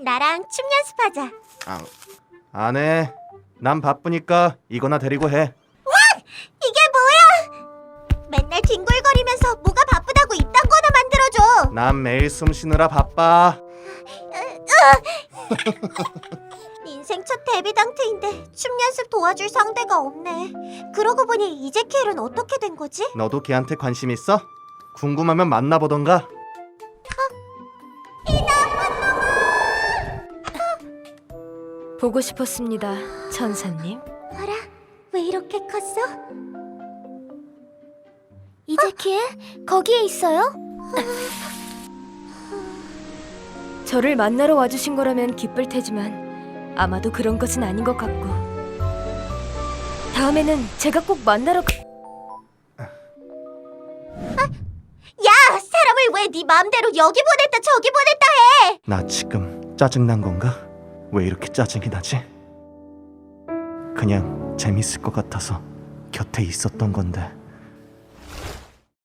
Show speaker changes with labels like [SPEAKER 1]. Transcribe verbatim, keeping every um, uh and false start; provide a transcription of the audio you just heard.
[SPEAKER 1] 나랑 춤 연습하자.
[SPEAKER 2] 아, 안 해. 난 바쁘니까 이거나 데리고 해.
[SPEAKER 1] 이게 뭐야? 맨날 뒹굴거리면서 뭐가 바쁘다고 이딴 거나 만들어줘.
[SPEAKER 2] 난 매일 숨 쉬느라 바빠.
[SPEAKER 1] 인생 첫 데뷔 당트인데 춤 연습 도와줄 상대가 없네. 그러고 보니 이재키엘은 어떻게 된 거지?
[SPEAKER 2] 너도 걔한테 관심 있어? 궁금하면 만나보던가.
[SPEAKER 3] 보고 싶었습니다, 천사님.
[SPEAKER 1] 어라? 왜 이렇게 컸어?
[SPEAKER 3] 이재키엘, 거기에 있어요? 저를 만나러 와주신 거라면 기쁠 테지만 아마도 그런 것은 아닌 것 같고, 다음에는 제가 꼭 만나러 가...
[SPEAKER 1] 야! 사람을 왜 네 마음대로 여기 보냈다 저기 보냈다 해!
[SPEAKER 2] 나 지금 짜증난 건가? 왜 이렇게 짜증이 나지? 그냥 재밌을 것 같아서 곁에 있었던 건데.